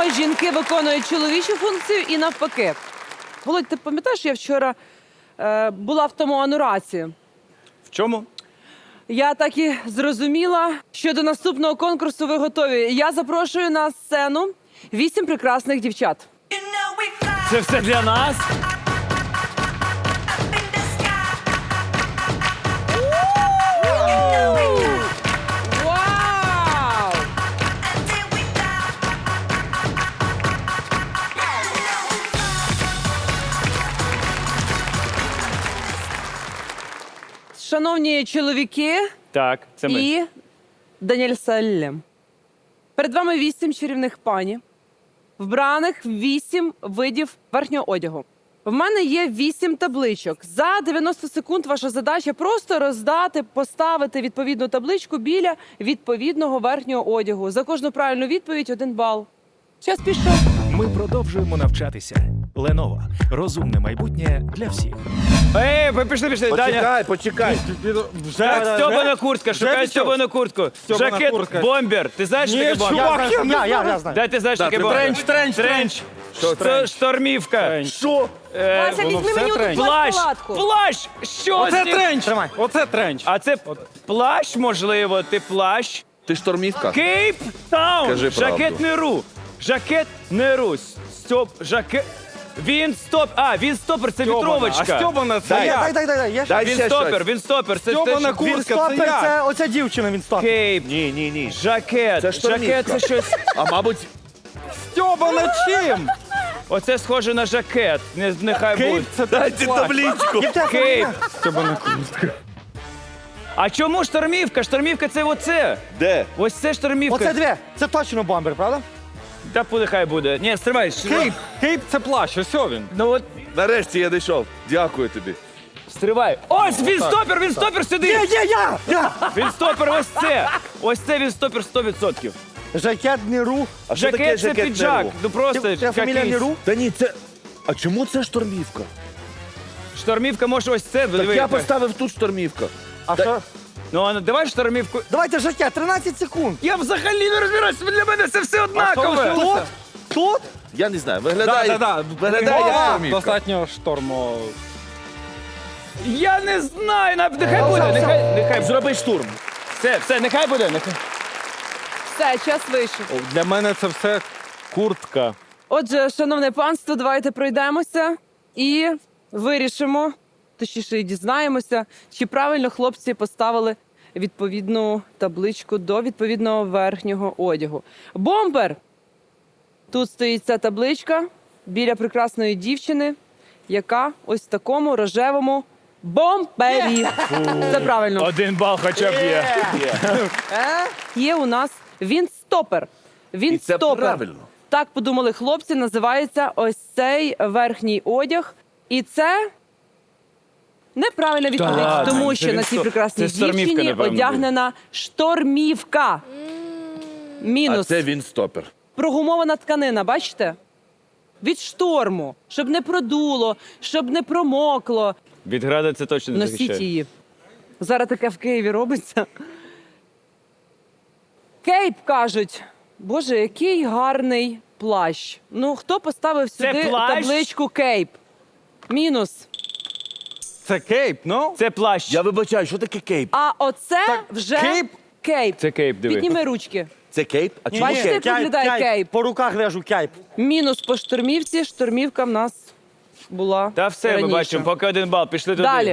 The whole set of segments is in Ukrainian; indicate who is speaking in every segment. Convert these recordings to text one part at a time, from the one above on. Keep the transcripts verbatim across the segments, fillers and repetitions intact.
Speaker 1: чому жінки виконують чоловічу функцію і навпаки. Володь, ти пам'ятаєш, я вчора е, була в тому анураці?
Speaker 2: В чому?
Speaker 1: Я так і зрозуміла, що до наступного конкурсу ви готові. Я запрошую на сцену вісім прекрасних дівчат.
Speaker 2: Це все для нас?
Speaker 1: Вау! Шановні чоловіки
Speaker 2: Так, це ми.
Speaker 1: і Даніель Саллем. Перед вами вісім чарівних пані, вбраних в вісім видів верхнього одягу. В мене є вісім табличок. За дев'яносто секунд ваша задача просто роздати, поставити відповідну табличку біля відповідного верхнього одягу. За кожну правильну відповідь один бал. Час пішов.
Speaker 3: Ми продовжуємо навчатися. Lenovo. Розумне майбутнє для всіх.
Speaker 2: Ей, ви пішли, пішли, Даня.
Speaker 4: Почекай, почекай.
Speaker 2: Так, стьобана куртка, шукай стьобану куртку.
Speaker 5: Стьобана
Speaker 2: Жакет,
Speaker 5: куртка.
Speaker 2: бомбер. Ти знаєш, що таке бомбер?
Speaker 5: чувак, я, я, я знаю.
Speaker 2: Дай ти знаєш, що таке
Speaker 4: тримай.
Speaker 2: бомбер. Тренч, тренч, тренч. Це штормівка.
Speaker 4: Що?
Speaker 2: Е,
Speaker 1: Вася, візьми мені оту
Speaker 2: Плащ,
Speaker 1: палатку.
Speaker 2: плащ, що
Speaker 5: Оце
Speaker 2: з ним?
Speaker 5: тренч. Оце тренч.
Speaker 2: А це плащ, можливо, ти плащ.
Speaker 4: Ти штормівка?
Speaker 2: Кейп Таун,
Speaker 4: Кажи правду.
Speaker 2: жакет Неру. Жакет Неру. Стьоп, жакет... Він стоп, а, він стопер, це
Speaker 5: А
Speaker 2: вітровочка.
Speaker 5: стьобана це
Speaker 4: Дай,
Speaker 5: я.
Speaker 6: Дай, дай, дай, дай. Я ще...
Speaker 4: Дай
Speaker 2: Він
Speaker 4: ще
Speaker 2: стопер,
Speaker 4: щось.
Speaker 2: він стопер. Це
Speaker 5: Стьобана
Speaker 2: те, що-
Speaker 6: Він
Speaker 5: куртка, це
Speaker 6: стопер,
Speaker 5: я.
Speaker 6: це оця дівчина, він стопер.
Speaker 2: Кейп,
Speaker 4: Ні, ні, ні.
Speaker 2: жакет,
Speaker 4: Це штормівка.
Speaker 2: жакет це щось.
Speaker 4: А мабуть,
Speaker 5: Стьобана чим?
Speaker 2: Оце схоже на жакет. Не, нехай буде.
Speaker 5: Кейп це
Speaker 4: дайте табличку.
Speaker 2: Кейп.
Speaker 5: Стьобана куртка.
Speaker 2: А чому штормівка? Штормівка це оце.
Speaker 4: Де?
Speaker 2: Ось це штормівка.
Speaker 6: Оце дві. Це точно бомбер, правда?
Speaker 2: Та нехай буде. Ні, стривай.
Speaker 5: Кейп, кейп це плащ, ось він.
Speaker 2: Ну от,
Speaker 4: Нарешті я дійшов. Дякую тобі.
Speaker 2: стривай. Ось він стопер, він стопер сюди.
Speaker 6: Є, є, я! Я!
Speaker 2: Він стопер, ось це. Ось це він стопер сто відсотків.
Speaker 6: Жакет Неру.
Speaker 4: А що таке
Speaker 2: Жакет це
Speaker 4: жакет
Speaker 2: піджак.
Speaker 4: Неру?
Speaker 2: Ну просто
Speaker 6: Ти, ти фамілія
Speaker 2: якийсь.
Speaker 6: Неру?
Speaker 4: Та ні, це... А чому це штормівка?
Speaker 2: Штормівка може ось це.
Speaker 4: Так
Speaker 2: диви,
Speaker 4: я
Speaker 2: яка.
Speaker 4: поставив тут штормівка.
Speaker 6: А що?
Speaker 2: Ну, а ну, давай штормівку.
Speaker 6: Давайте жакет, тринадцять секунд.
Speaker 2: Я взагалі не розбираюся, для мене це все однакове.
Speaker 6: Тут? Тут?
Speaker 4: Я не знаю,
Speaker 5: Да,
Speaker 4: виглядає...
Speaker 5: да, да.
Speaker 4: Виглядає як
Speaker 5: О,
Speaker 4: штормівка.
Speaker 5: достатньо штормо.
Speaker 2: Я не знаю, на- нехай буде,
Speaker 6: все.
Speaker 2: нехай, нехай.
Speaker 4: Зроби штурм.
Speaker 2: Все, все, нехай буде, нехай.
Speaker 1: Все, час вийшов.
Speaker 5: Для мене це все куртка.
Speaker 1: Отже, шановне панство, давайте пройдемося і вирішимо, точніше, і дізнаємося, чи правильно хлопці поставили відповідну табличку до відповідного верхнього одягу. Бомбер! Тут стоїть ця табличка біля прекрасної дівчини, яка ось в такому рожевому бомбері. Це правильно.
Speaker 2: Один бал хоча б є.
Speaker 1: Є у нас він-стопер.
Speaker 4: І це
Speaker 1: Він-стопер.
Speaker 4: правильно.
Speaker 1: Так подумали хлопці, називається ось цей верхній одяг. І це неправильна відповідь,
Speaker 2: ладно,
Speaker 1: тому
Speaker 2: це
Speaker 1: що
Speaker 2: він
Speaker 1: на цій
Speaker 2: сто-
Speaker 1: прекрасній
Speaker 2: це штормівка,
Speaker 1: дівчині
Speaker 2: напевно,
Speaker 1: одягнена штормівка.
Speaker 4: А
Speaker 1: Мінус.
Speaker 4: це він стопер.
Speaker 1: Прогумована тканина, бачите? Від шторму, щоб не продуло, щоб не промокло.
Speaker 2: Від града це точно не
Speaker 1: Носіть
Speaker 2: захищає.
Speaker 1: її. Зараз таке в Києві робиться. Кейп, кажуть. Боже, який гарний плащ. Ну, хто поставив
Speaker 2: Це
Speaker 1: сюди
Speaker 2: плащ?
Speaker 1: табличку Кейп? Мінус.
Speaker 5: Це кейп, ну?
Speaker 2: Це плащ.
Speaker 4: Я вибачаю, що таке кейп?
Speaker 1: А оце вже
Speaker 5: кейп?
Speaker 1: кейп.
Speaker 2: Це кейп, диви.
Speaker 1: Підніми ручки.
Speaker 4: Це кейп? А чому
Speaker 1: Бачите,
Speaker 4: кейп?
Speaker 1: як виглядає кейп?
Speaker 6: По руках вяжу кейп.
Speaker 1: Мінус по штормівці. Штормівка в нас була
Speaker 2: Та все, ми
Speaker 1: раніше.
Speaker 2: бачимо, поки один бал. Пішли туди.
Speaker 1: Далі.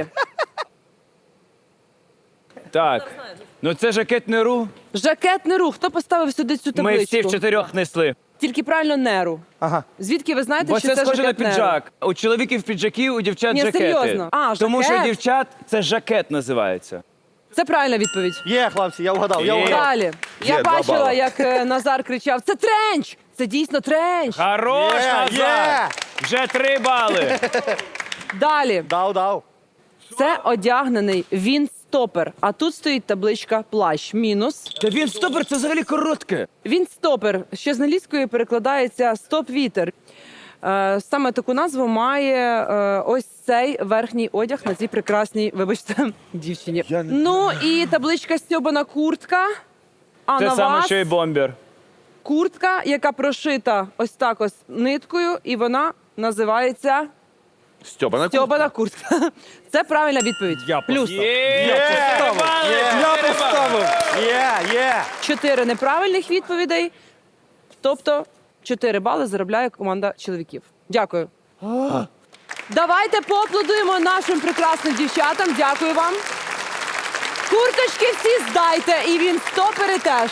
Speaker 2: Так. Ну це жакет Неру.
Speaker 1: Жакет Неру. Хто поставив сюди цю
Speaker 2: Ми
Speaker 1: табличку?
Speaker 2: всі в чотирьох несли.
Speaker 1: Тільки правильно Неру.
Speaker 6: Ага.
Speaker 1: Звідки ви знаєте,
Speaker 2: Бо
Speaker 1: що
Speaker 2: це
Speaker 1: це
Speaker 2: схоже на
Speaker 1: жакет Неру?
Speaker 2: піджак. У чоловіків піджаки, у дівчат
Speaker 1: Ні,
Speaker 2: жакети.
Speaker 1: серйозно. А,
Speaker 2: Тому що
Speaker 1: жакет.
Speaker 2: дівчат це жакет називається.
Speaker 1: Це правильна відповідь.
Speaker 6: Є, хлопці, я вгадав, я
Speaker 2: Є.
Speaker 6: вгадав.
Speaker 1: Далі. Я
Speaker 4: Є, два
Speaker 1: бачила,
Speaker 4: бали.
Speaker 1: як е, Назар кричав: це тренч! Це дійсно тренч!
Speaker 2: Хорош,
Speaker 6: Є,
Speaker 2: Назар!
Speaker 6: є.
Speaker 2: Вже три бали.
Speaker 1: Далі.
Speaker 6: Дав, дав.
Speaker 1: Це одягнений він-стопер. А тут стоїть табличка плащ. Мінус.
Speaker 2: Та він стопер, це взагалі коротке.
Speaker 1: Він-стопер, що з англійської перекладається стоп-вітер. Е, Саме таку назву має е, ось цей верхній одяг на цій прекрасній, вибачте, дівчині.
Speaker 4: Я не-
Speaker 1: Ну і табличка стьобана куртка. А
Speaker 2: Те
Speaker 1: на
Speaker 2: саме,
Speaker 1: вас
Speaker 2: що і бомбер.
Speaker 1: куртка, яка прошита ось так ось ниткою, і вона називається
Speaker 4: Стьобана куртка.
Speaker 1: стьобана куртка. Це правильна відповідь.
Speaker 5: Я
Speaker 1: Плюс.
Speaker 2: Є! Бали,
Speaker 5: Я
Speaker 2: чотири бали.
Speaker 5: поставив.
Speaker 6: Є, є.
Speaker 1: Чотири неправильних відповідей. Тобто чотири бали заробляє команда чоловіків. Дякую. Давайте поаплодуємо нашим прекрасним дівчатам. Дякую вам. Курточки всі здайте, і він стопери теж.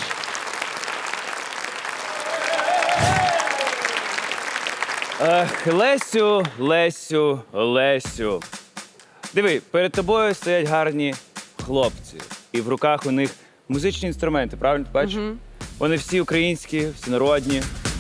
Speaker 2: Ех, Лесю, Лесю, Лесю. Диви, перед тобою стоять гарні хлопці. І в руках у них музичні інструменти, правильно ти бачиш? Вони всі українські, всі народні.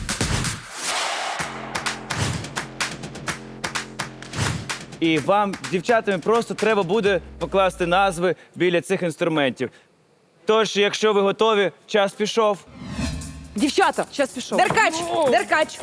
Speaker 2: І вам, дівчатами, просто треба буде покласти назви біля цих інструментів. Тож, якщо ви готові, час пішов.
Speaker 1: Дівчата, час пішов.
Speaker 7: Деркач! Деркач!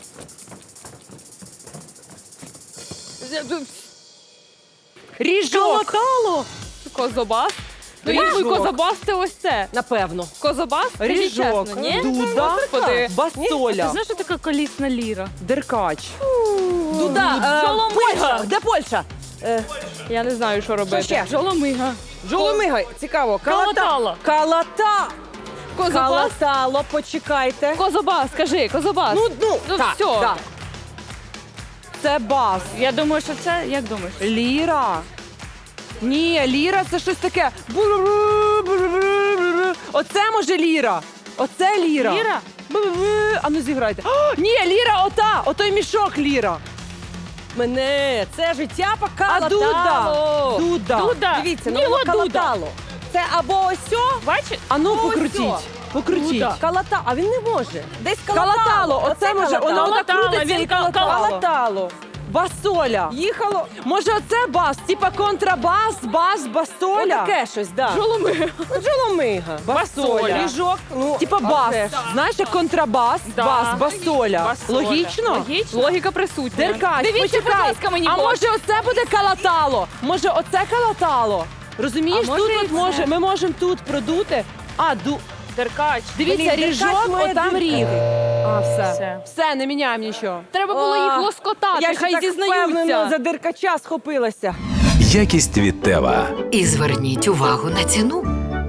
Speaker 1: Ріжок.
Speaker 7: Козобас? Ну,
Speaker 1: Ріжок.
Speaker 7: я думаю, козобас це ось це.
Speaker 1: Напевно.
Speaker 7: Козобас? Скажіть
Speaker 1: Ріжок.
Speaker 7: чесно, ні?
Speaker 1: Дуда.
Speaker 7: Господи.
Speaker 1: Басоля.
Speaker 7: Ти знаєш, що така колісна ліра?
Speaker 1: Деркач.
Speaker 7: Дуда,
Speaker 1: Е,
Speaker 7: жоломига.
Speaker 1: Польща. Де Польща?
Speaker 7: Я не знаю, що робити.
Speaker 1: ще?
Speaker 7: Жоломига.
Speaker 1: Жоломига. Цікаво.
Speaker 7: Калатало.
Speaker 1: Калата.
Speaker 7: Козобас?
Speaker 1: Калатало, почекайте.
Speaker 7: Козобас, скажи, козобас.
Speaker 1: Ну, ну,
Speaker 7: Ну,
Speaker 1: так,
Speaker 7: всьо.
Speaker 1: так. Це бас.
Speaker 7: Я думаю, що це, як думаєш?
Speaker 1: Ліра. Ні, ліра це щось таке. Бу-ру-ру-ру-ру-ру-ру. Оце може ліра. Оце ліра.
Speaker 7: Ліра?
Speaker 1: Бу-бу-бу. А ну зіграйте. О, ні, ліра ота. Отой мішок ліра.
Speaker 8: Мене це життя
Speaker 1: А
Speaker 8: покалатало.
Speaker 1: Дуда. Дуда.
Speaker 7: Дуда.
Speaker 8: Дивіться, ну
Speaker 7: Ніла
Speaker 8: воно
Speaker 7: Дуда.
Speaker 8: калатало. Це або ось о,
Speaker 7: Бачиш?
Speaker 1: А ну
Speaker 8: Ось
Speaker 1: покрутіть.
Speaker 8: о.
Speaker 1: Покрутіть.
Speaker 7: Дуда.
Speaker 8: калата, а він не може. Десь калатало.
Speaker 1: Калатало. Оце може. Воно
Speaker 8: калатало.
Speaker 1: отак
Speaker 7: Калатало,
Speaker 1: крутиться
Speaker 7: він
Speaker 1: і
Speaker 7: кал-
Speaker 1: калатало.
Speaker 8: Калатало.
Speaker 1: Басоля.
Speaker 8: Їхало.
Speaker 1: Може оце бас? Типа контрабас, бас, басоля.
Speaker 8: Отаке щось, да.
Speaker 7: Жоломига.
Speaker 8: Ну, Джоломига.
Speaker 1: Басоля.
Speaker 8: Ріжок. Ну,
Speaker 1: Типа
Speaker 8: а
Speaker 1: бас.
Speaker 8: вже ж.
Speaker 1: Знаєш, як контрабас,
Speaker 7: Да.
Speaker 1: бас, басоля.
Speaker 7: Басоля.
Speaker 1: Логічно?
Speaker 7: Логічно. Логіка присутня.
Speaker 1: Деркач,
Speaker 7: Дивіться,
Speaker 1: почекай.
Speaker 7: будь ласка, мені
Speaker 1: А
Speaker 7: в очі.
Speaker 1: може оце буде калатало? Може оце калатало? Розумієш,
Speaker 7: А може
Speaker 1: тут
Speaker 7: і
Speaker 1: от
Speaker 7: це.
Speaker 1: може, ми можемо тут продути. А, ду...
Speaker 7: Деркач.
Speaker 1: Дивіться,
Speaker 8: Блін, Деркач
Speaker 1: ріжок,
Speaker 8: має
Speaker 1: отам
Speaker 8: дирки.
Speaker 1: ріг. А, все.
Speaker 7: Все.
Speaker 1: Все, не міняємо нічого.
Speaker 7: Треба було їх
Speaker 8: А,
Speaker 7: лоскотати,
Speaker 8: Я ж
Speaker 7: хай
Speaker 8: так впевнено
Speaker 7: зізнаються.
Speaker 8: за диркача схопилася.
Speaker 3: Якість від Тева.
Speaker 9: І зверніть увагу на ціну.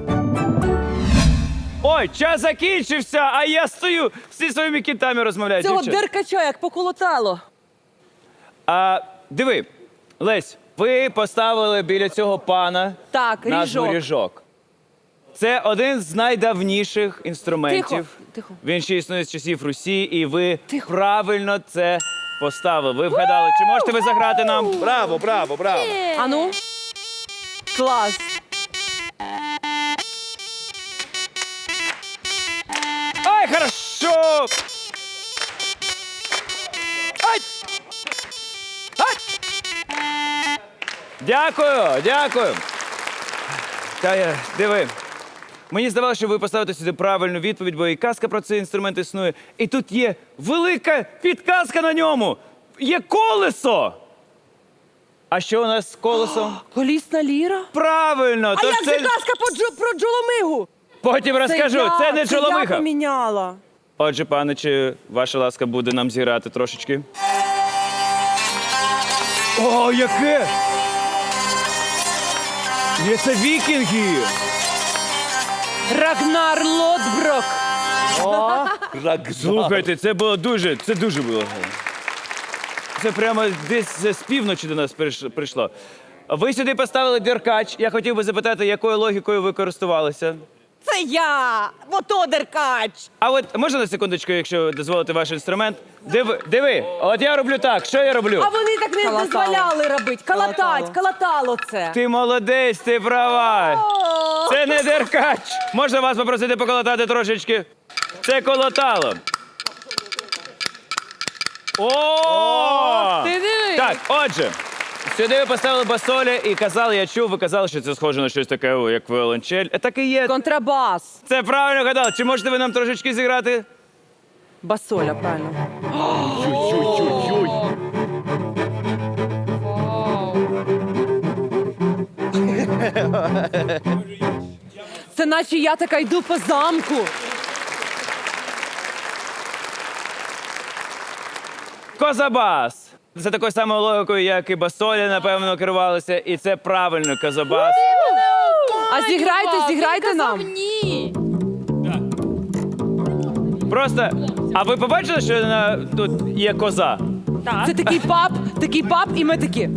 Speaker 2: Ой, час закінчився, а я стою зі своїми кітами розмовляю.
Speaker 8: Цього
Speaker 2: дівчата.
Speaker 8: диркача як поколотало.
Speaker 2: А, диви, Лесь, ви поставили біля цього пана
Speaker 1: Так,
Speaker 2: назву
Speaker 1: ріжок.
Speaker 2: ріжок. Це один з найдавніших інструментів.
Speaker 1: Тихо, тихо.
Speaker 2: Він ще існує з часів Русі, і ви правильно це поставили. Ви вгадали. Чи можете ви заграти нам?
Speaker 4: Браво, браво, браво.
Speaker 1: А ну? Клас.
Speaker 2: Ай, хорошо! Ай! Ай! Дякую, дякую. Та я, диви. Мені здавалося, що ви поставите сюди правильну відповідь, бо і казка про цей інструмент існує. І тут є велика підказка на ньому. Є колесо. А що у нас з колесом?
Speaker 1: Колісна ліра?
Speaker 2: Правильно!
Speaker 8: А
Speaker 2: тож
Speaker 8: як
Speaker 2: це...
Speaker 8: же казка про, джо, про джоломигу?
Speaker 2: Потім розкажу,
Speaker 1: я,
Speaker 2: це не
Speaker 1: Я
Speaker 2: чоломиха.
Speaker 1: поміняла.
Speaker 2: Отже, пане, чи ваша ласка буде нам зіграти трошечки? О, яке! Є це вікінги!
Speaker 1: Рагнар Лотброк.
Speaker 2: Слухайте, це було дуже, це дуже було. Це прямо десь з півночі до нас приш- прийшло. Ви сюди поставили деркач. Я хотів би запитати, якою логікою ви користувалися?
Speaker 8: Це я! Ото диркач!
Speaker 2: А от можна на секундочку, якщо дозволите ваш інструмент? Диви, диви, от я роблю так. Що я роблю?
Speaker 8: А вони так не
Speaker 1: Калатало.
Speaker 8: дозволяли робити. Калатать,
Speaker 1: Калатало.
Speaker 8: калатало це.
Speaker 2: Ти молодець, ти права. Це не деркач. Можна вас попросити поколотати трошечки? Це колотало. О!
Speaker 7: Ти диви.
Speaker 2: Так, отже, сюди ви поставили басоля і казали, я чув, ви казали, що це схоже на щось таке, о, як віолончель. Е, Так і є.
Speaker 1: Контрабас.
Speaker 2: Це правильно гадали. Чи можете ви нам трошечки зіграти?
Speaker 1: Басоля, правильно. Це наче я така йду по замку.
Speaker 2: Козабас. Це такою самою логікою, як і басолі, напевно, керувалися. І це правильно, Козабас.
Speaker 1: А зіграйте, зіграйте нам.
Speaker 7: Ні.
Speaker 2: Просто, а ви побачили, що на, тут є коза?
Speaker 1: Це такий пап, такий пап, і ми такі.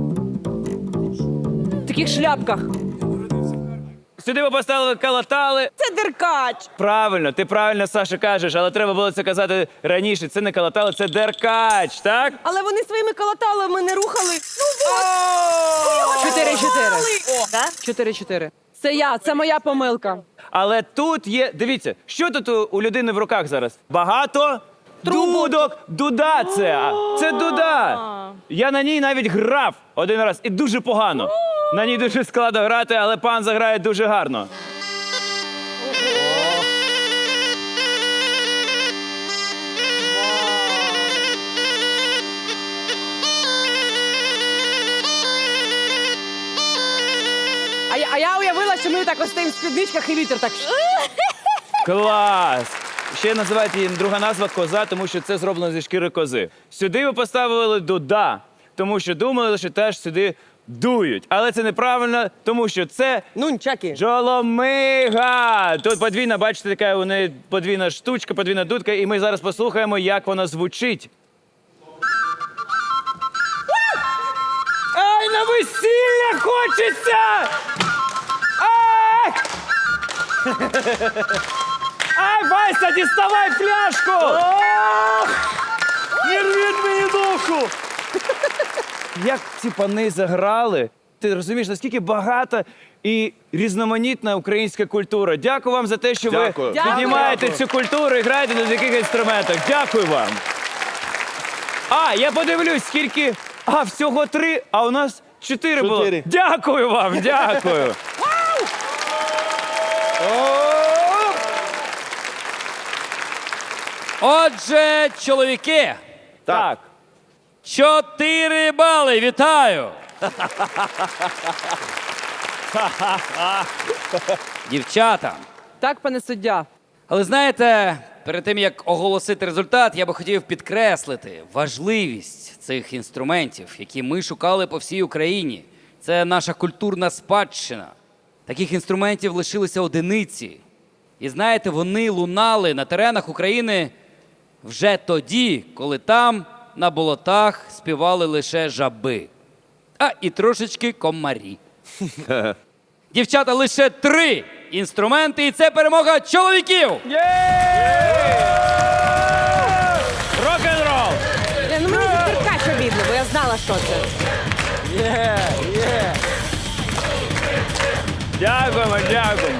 Speaker 1: В таких шляпках.
Speaker 2: Сюди ви поставили калатали.
Speaker 8: Це деркач.
Speaker 2: Правильно, ти правильно, Саша, кажеш, але треба було це казати раніше. Це не калатали, це деркач, так?
Speaker 8: Але вони своїми калаталами не рухали. Ну от.
Speaker 1: Чотири-чотири.
Speaker 8: Да?
Speaker 1: Чотири-чотири. Це я, це моя помилка.
Speaker 2: Але тут є, дивіться, що тут у, у людини в руках зараз? Багато дудок. Дуда це. а, Це дуда. Я на ній навіть грав один раз і дуже погано. На ній дуже складно грати, але пан заграє дуже гарно.
Speaker 1: А я, а я уявила, що ми так ось стоїмо в спідничках і вітер так.
Speaker 2: Клас! Ще називають її друга назва коза, тому що це зроблено зі шкіри кози. Сюди ви поставили дуда, тому що думали, що теж сюди дують. Але це неправильно, тому що це
Speaker 8: Нунчаки.
Speaker 2: Джоломига. Тут подвійна, бачите, така у неї подвійна штучка, подвійна дудка, і ми зараз послухаємо, як вона звучить. Ай, на весілля хочеться! Ай! Ай, Вася, діставай пляшку! Не рвіть мені душу! Як ці пани заграли, ти розумієш, наскільки багата і різноманітна українська культура. Дякую вам за те, що
Speaker 4: Дякую.
Speaker 2: ви
Speaker 1: Дякую.
Speaker 2: піднімаєте цю культуру і граєте на таких інструментах. Дякую вам. А, я подивлюсь, скільки. А, всього три, а у нас чотири було.
Speaker 4: Чотири.
Speaker 2: Дякую вам, дякую.
Speaker 10: Отже, чоловіки,
Speaker 2: Так.
Speaker 10: чотири бали. Вітаю! Дівчата.
Speaker 1: Так, пане суддя.
Speaker 10: Але знаєте, перед тим як оголосити результат, я би хотів підкреслити важливість цих інструментів, які ми шукали по всій Україні. Це наша культурна спадщина. Таких інструментів лишилися одиниці. І знаєте, вони лунали на теренах України вже тоді, коли там на болотах співали лише жаби. А і трошечки комарі. Дівчата, лише три інструменти, і це перемога чоловіків!
Speaker 2: Рок-н-рол!
Speaker 8: Е, Ну мені за деркач обідно, бо я знала, що це.
Speaker 2: Дякуємо, дякуємо.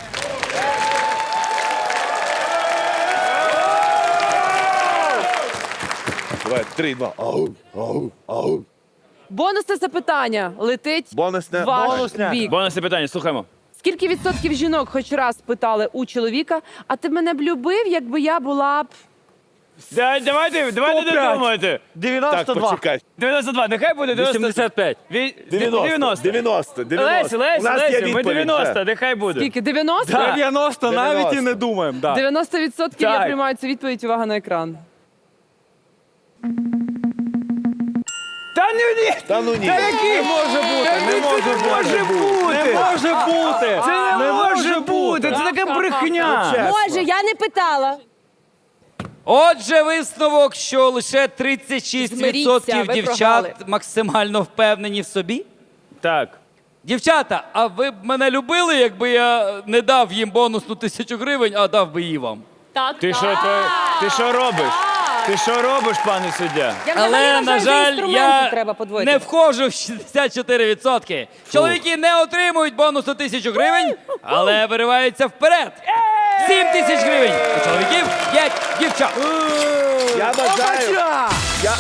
Speaker 4: Давай, три, два. Ау, ау, ау.
Speaker 1: Бонусне запитання летить
Speaker 4: Бонусне.
Speaker 1: в ваш
Speaker 6: Бонусне.
Speaker 1: бік.
Speaker 2: Бонусне питання, слухаємо.
Speaker 1: Скільки відсотків жінок хоч раз питали у чоловіка, а ти мене б любив, якби я була б...
Speaker 2: Да, давайте, давайте
Speaker 6: сто п'ять.
Speaker 2: додумайте.
Speaker 4: Так,
Speaker 6: дев'яносто два.
Speaker 4: почекай.
Speaker 2: дев'яносто два, нехай буде дев'яносто.
Speaker 10: вісімдесят п'ять.
Speaker 2: Ві-
Speaker 4: дев'яносто.
Speaker 2: дев'яносто.
Speaker 4: дев'яносто. дев'яносто.
Speaker 2: Лесі, Лесі,
Speaker 4: У нас є
Speaker 2: Лесі, ми
Speaker 4: відповідь,
Speaker 2: дев'яносто,
Speaker 4: все.
Speaker 2: нехай буде.
Speaker 1: Скільки? дев'яносто?
Speaker 5: дев'яносто навіть і
Speaker 4: дев'яносто.
Speaker 5: не думаємо. Да.
Speaker 1: дев'яносто відсотків я
Speaker 2: Так.
Speaker 1: приймаю цю відповідь. Увага на екран.
Speaker 2: Та ну ні!
Speaker 4: Та ну ні.
Speaker 2: Та які?
Speaker 5: Не може бути, не може
Speaker 2: Не може бути!
Speaker 5: Не може бути!
Speaker 2: Це не може бути! Це така брехня!
Speaker 8: Може, я не питала.
Speaker 10: Отже, висновок, що лише тридцять шість відсотків
Speaker 1: Змиріться, ви
Speaker 10: дівчат
Speaker 1: програли.
Speaker 10: максимально впевнені в собі.
Speaker 2: Так.
Speaker 10: Дівчата, а ви б мене любили, якби я не дав їм бонусну тисячу гривень, а дав би її вам?
Speaker 7: Так,
Speaker 2: Ти що, ти, ти що робиш? Ти що робиш, пане суддя?
Speaker 8: Я взагалі
Speaker 10: Але,
Speaker 8: вважаю,
Speaker 10: на
Speaker 8: що
Speaker 10: жаль,
Speaker 8: інструменти
Speaker 10: я
Speaker 8: треба подвоїти.
Speaker 10: не входжу в шістдесят чотири відсотки. Чоловіки не отримують бонусу тисячу гривень, але вириваються вперед. сім тисяч гривень у чоловіків, п'ять дівчат.
Speaker 4: Я бажаю. Я...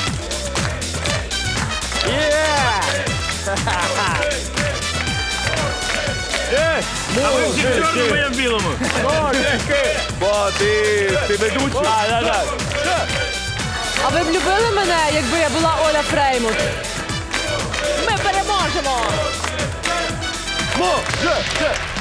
Speaker 2: А ви всі в чорному, я в білому.
Speaker 4: Бо ти, ти ведучий.
Speaker 2: А, да, да.
Speaker 1: А ви б любили мене, якби я була Оля Фреймут?
Speaker 8: Ми переможемо!
Speaker 4: Може.